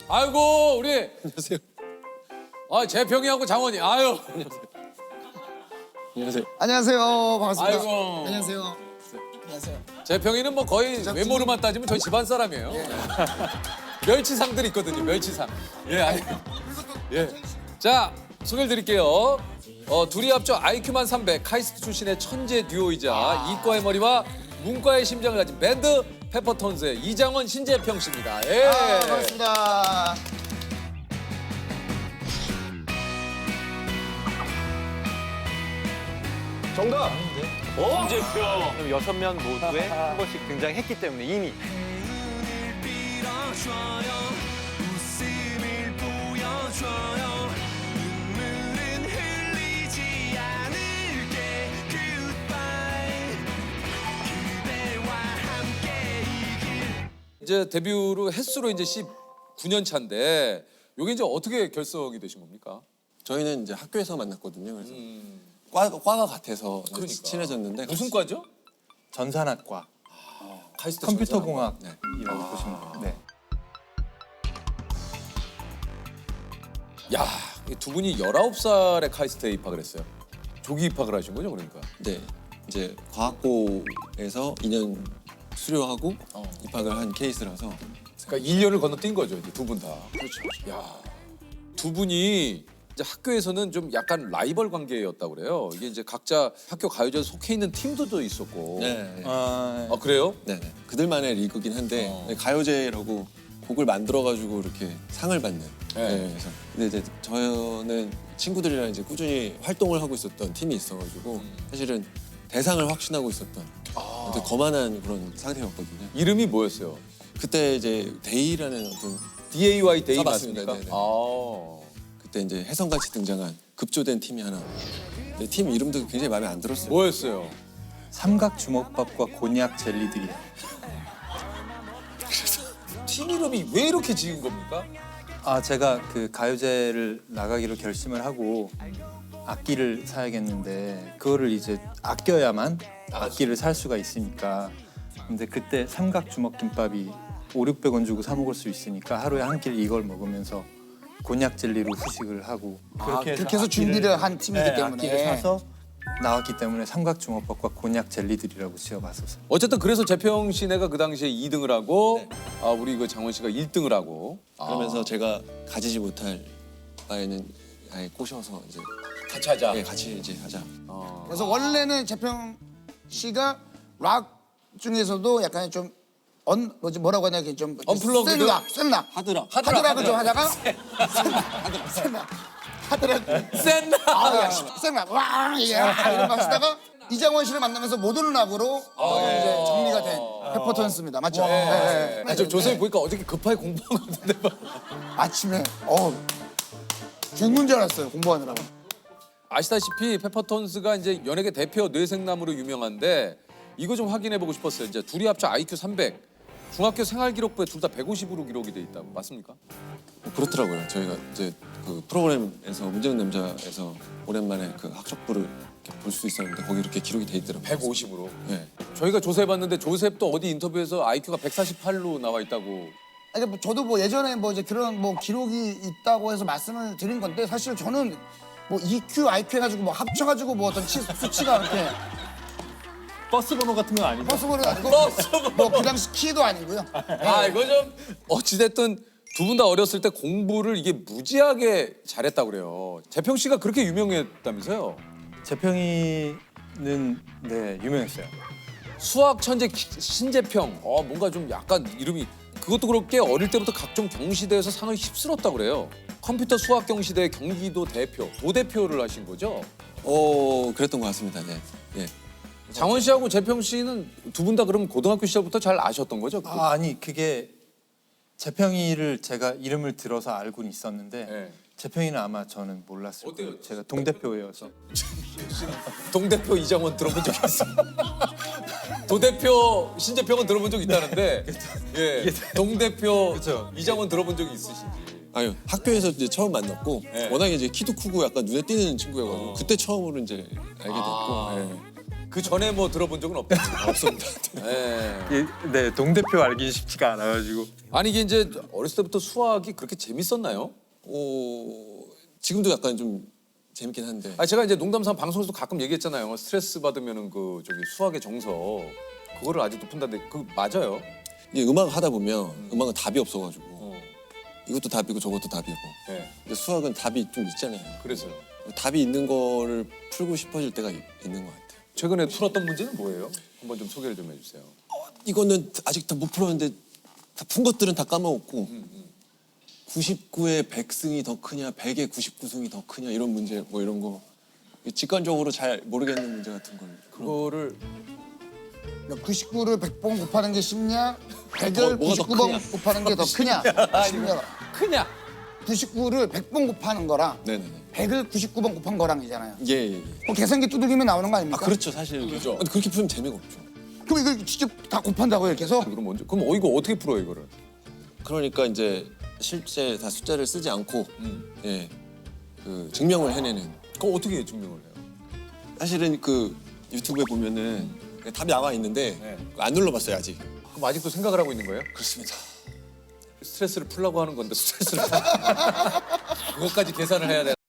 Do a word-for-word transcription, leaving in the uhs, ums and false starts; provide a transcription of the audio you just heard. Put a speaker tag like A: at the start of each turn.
A: 아이고 우리
B: 안녕하세요.
A: 아 재평이하고 장원이 아유.
B: 안녕하세요.
C: 안녕하세요. 반갑습니다.
A: 아이고.
C: 안녕하세요. 안녕하세요.
A: 재평이는 뭐 거의
C: 제작진이-
A: 외모로만 따지면 저희 집안 사람이에요. 멸치상들 있거든요. 멸치상. 예 아니. 예. 자 소개를 드릴게요. 어, 둘이 합쳐 아이큐만 삼백 카이스트 출신의 천재 듀오이자 이과의 머리와 문과의 심장을 가진 밴드 페퍼톤스의 이장원 신재평 씨입니다. 예.
C: 아, 반갑습니다.
B: 정답.
D: 그럼 여섯 명 모두에 한 번씩 등장했기 때문에 이미
A: 이제 데뷔로 횟수로 이제 십구 년 차인데 이게 이제 어떻게 결성이 되신 겁니까?
B: 저희는 이제 학교에서 만났거든요. 그래서
A: 음,
B: 과, 과가 같아서 이제
A: 그러니까.
B: 친해졌는데
A: 무슨 과죠?
E: 전산학과,
A: 카이스트
E: 컴퓨터공학이라고
B: 네.
E: 보시면 돼요. 네.
A: 야, 이 두 분이 열아홉 살에 카이스트에 입학을 했어요. 조기 입학을 하신 거죠, 그러니까?
B: 네, 이제 과학고에서 이 년 수료하고
A: 어.
B: 입학을 한 케이스라서
A: 그러니까 일 년을 건너뛴 거죠, 이제 두 분 다. 그렇죠. 야, 두 분이 이제 학교에서는 좀 약간 라이벌 관계였다고 그래요. 이게 이제 각자 학교 가요제에 속해 있는 팀들도 있었고.
B: 네, 네.
E: 아,
A: 아, 그래요?
B: 네, 네. 그들만의 리그긴 한데
A: 어.
B: 네, 가요제라고 곡을 만들어가지고 이렇게 상을 받는.
A: 네.
B: 네. 그래서 근데 이제 저는 친구들이랑 이제 꾸준히 활동을 하고 있었던 팀이 있어가지고
A: 음.
B: 사실은 대상을 확신하고 있었던
A: 아.
B: 되게 거만한 그런 상태였거든요.
A: 이름이 뭐였어요?
B: 그때 이제 데이라는 어떤
A: 디에이와이 데이
B: 아, 맞습니다.
A: 맞습니까?
B: 네네.
A: 아.
B: 그때 이제 혜성같이 등장한 급조된 팀이 하나. 근데 팀 이름도 굉장히 마음에 안 들었어요.
A: 뭐였어요?
E: 삼각 주먹밥과 곤약 젤리들이요.
A: 팀 이름이 왜 이렇게 지은 겁니까?
E: 아, 제가 그 가요제를 나가기로 결심을 하고 악기를 사야겠는데 그거를 이제 아껴야만 악기를 살 수가 있으니까. 근데 그때 삼각 주먹김밥이 오륙백 원 주고 사 먹을 수 있으니까 하루에 한 끼를 이걸 먹으면서 곤약 젤리로 후식을 하고
C: 아, 그렇게 해서 준비를 한 팀이기
E: 네,
C: 때문에.
E: 악기를 사서 나왔기 때문에 삼각 주먹밥과 곤약 jel리들이라고 지어봤었어요.
A: 어쨌든 그래서 재평 씨네가 그 당시에 이 등을 하고
B: 네.
A: 아, 우리 그 장원 씨가 일 등을 하고
B: 그러면서 제가 가지지 못할 바에는 아예 꼬셔서 이제
A: 같이 하자.
B: 예, 같이 이제 하자.
A: 어.
C: 그래서 원래는 재평 씨가 락 중에서도 약간 좀 언, 뭐지 뭐라고 하냐 이게 좀
A: 언플러그드?
C: 센 락, 센 락.
B: 하드락.
C: 하드락을 좀 하다가 센 락. 하드락.
A: 센
C: 아, 야, 센 락. 와, 예. 이런 거 하시다가 이장원 씨를 만나면서 모던 락으로 어, 이제 정리가 된 페퍼톤스입니다. 맞죠? 네, 네.
A: 아, 저 조선이 보니까 어저께 급하게 공부한 것 같은데 막.
C: 아침에 어 죽는 줄 알았어요 공부하느라고.
A: 아시다시피 페퍼톤스가 이제 연예계 대표 뇌생남으로 유명한데 이거 좀 확인해 보고 싶었어요. 이제 둘이 합쳐 아이큐 삼백. 중학교 생활기록부에 둘 다 백오십으로 기록이 돼 있다고. 맞습니까?
B: 뭐 그렇더라고요. 저희가 이제 그 프로그램에서 문제는 남자에서 오랜만에 그 학적부를 볼 수 있었는데 거기 이렇게 기록이 돼 있더라고요.
A: 백오십으로.
B: 네.
A: 저희가 조사해 봤는데 조셉도 어디 인터뷰에서 아이큐가 백사십팔로 나와 있다고.
C: 아니 뭐 저도 뭐 예전에 뭐 이제 그런 뭐 기록이 있다고 해서 말씀을 드린 건데 사실 저는 뭐 이큐, 아이큐 해가지고 뭐 합쳐가지고 뭐 어떤 치, 수치가 이렇게
D: 버스 번호 같은 건 아니죠?
C: 버스버는 아니고
A: 버스번호.
C: 뭐그 당시 키도 아니고요.
A: 아 이거 좀 어찌됐든 두 분 다 어렸을 때 공부를 이게 무지하게 잘했다고 그래요. 재평 씨가 그렇게 유명했다면서요?
E: 재평이는 네 유명했어요.
A: 수학 천재 기- 신재평. 어 뭔가 좀 약간 이름이 그것도 그렇게 어릴 때부터 각종 경시대에서 상을 휩쓸었다고 그래요. 컴퓨터 수학 경시대 경기도 대표, 도대표를 하신 거죠?
B: 어, 그랬던 것 같습니다. 네. 예.
A: 장원 씨하고 재평 씨는 두 분 다 그럼 고등학교 시절부터 잘 아셨던 거죠?
E: 아, 아니 그게 재평이를 제가 이름을 들어서 알고는 있었는데
A: 네.
E: 재평이는 아마 저는 몰랐을
A: 어때요?
E: 거예요. 제가 동대표여서.
A: 동대표 이장원 들어본 적 있어? 도대표 신재평은 들어본 적 있다는데 예, 동대표
E: 그쵸.
A: 이장원 들어본 적이 있으신지.
B: 아유, 학교에서 이제 처음 만났고
A: 네.
B: 워낙에 이제 키도 크고 약간 눈에 띄는 친구여가지고
A: 어.
B: 그때 처음으로 이제 알게 됐고.
A: 아.
B: 예.
A: 그 전에 뭐 들어본 적은 없다.
B: 없습니다.
A: 예.
E: 이- 네, 동대표 알기 쉽지가 않아가지고.
A: 아니 이게 이제 어렸을 때부터 수학이 그렇게 재밌었나요?
B: 어, 지금도 약간 좀 재밌긴 한데
A: 아 제가 이제 농담삼아 방송에서도 가끔 얘기했잖아요. 스트레스 받으면은 그 저기 수학의 정서 그거를 아직도 푼다는데 그 맞아요?
B: 이게 음악 하다 보면 음. 악은 답이 없어가지고
A: 어.
B: 이것도 답이고 저것도 답이고
A: 예.
B: 근데 수학은 답이 좀 있잖아요.
A: 그래서요.
B: 답이 있는 거를 풀고 싶어질 때가 있- 있는 것 같아요.
A: 최근에 풀었던 문제는 뭐예요? 한번 좀 소개를 좀 해주세요.
B: 이거는 아직 다 못 풀었는데 다 푼 것들은 다 까먹었고 구십구의 백승이 더 크냐 백의 구십구 승이 더 크냐 이런 문제 뭐 이런 거 직관적으로 잘 모르겠는 문제 같은 걸
A: 그거를
C: 구십구를 백 번 곱하는 게 쉽냐? 백을
B: 뭐, 뭐가 더
C: 구십구 번
B: 크냐?
C: 곱하는 게 더 크냐? 쉽냐?
A: 크냐?
C: 구십구를 백 번 곱하는 거랑
B: 네네네.
C: 백을 구십구 번 곱한 거랑이잖아요.
B: 예, 예, 예.
C: 뭐 계산기 두들기면 나오는 거
B: 아
C: 아닙니까?
B: 그렇죠 사실
A: 그죠.
B: 근데 그렇게 풀면 재미가 없죠.
C: 그럼 이걸 직접 다 곱한다고요, 이렇게 해서?
A: 그럼 먼저 그럼 어 이거 어떻게 풀어요 이거를?
B: 그러니까 이제 실제 다 숫자를 쓰지 않고
A: 음.
B: 예, 그 증명을 해내는
A: 그거 어떻게 증명을 해요?
B: 사실은 그 유튜브에 보면은 답이 나와 있는데
A: 네.
B: 안 눌러봤어요 아직.
A: 그럼 아직도 생각을 하고 있는 거예요?
B: 그렇습니다.
A: 스트레스를 풀라고 하는 건데 스트레스를 그것까지 계산을 해야 돼.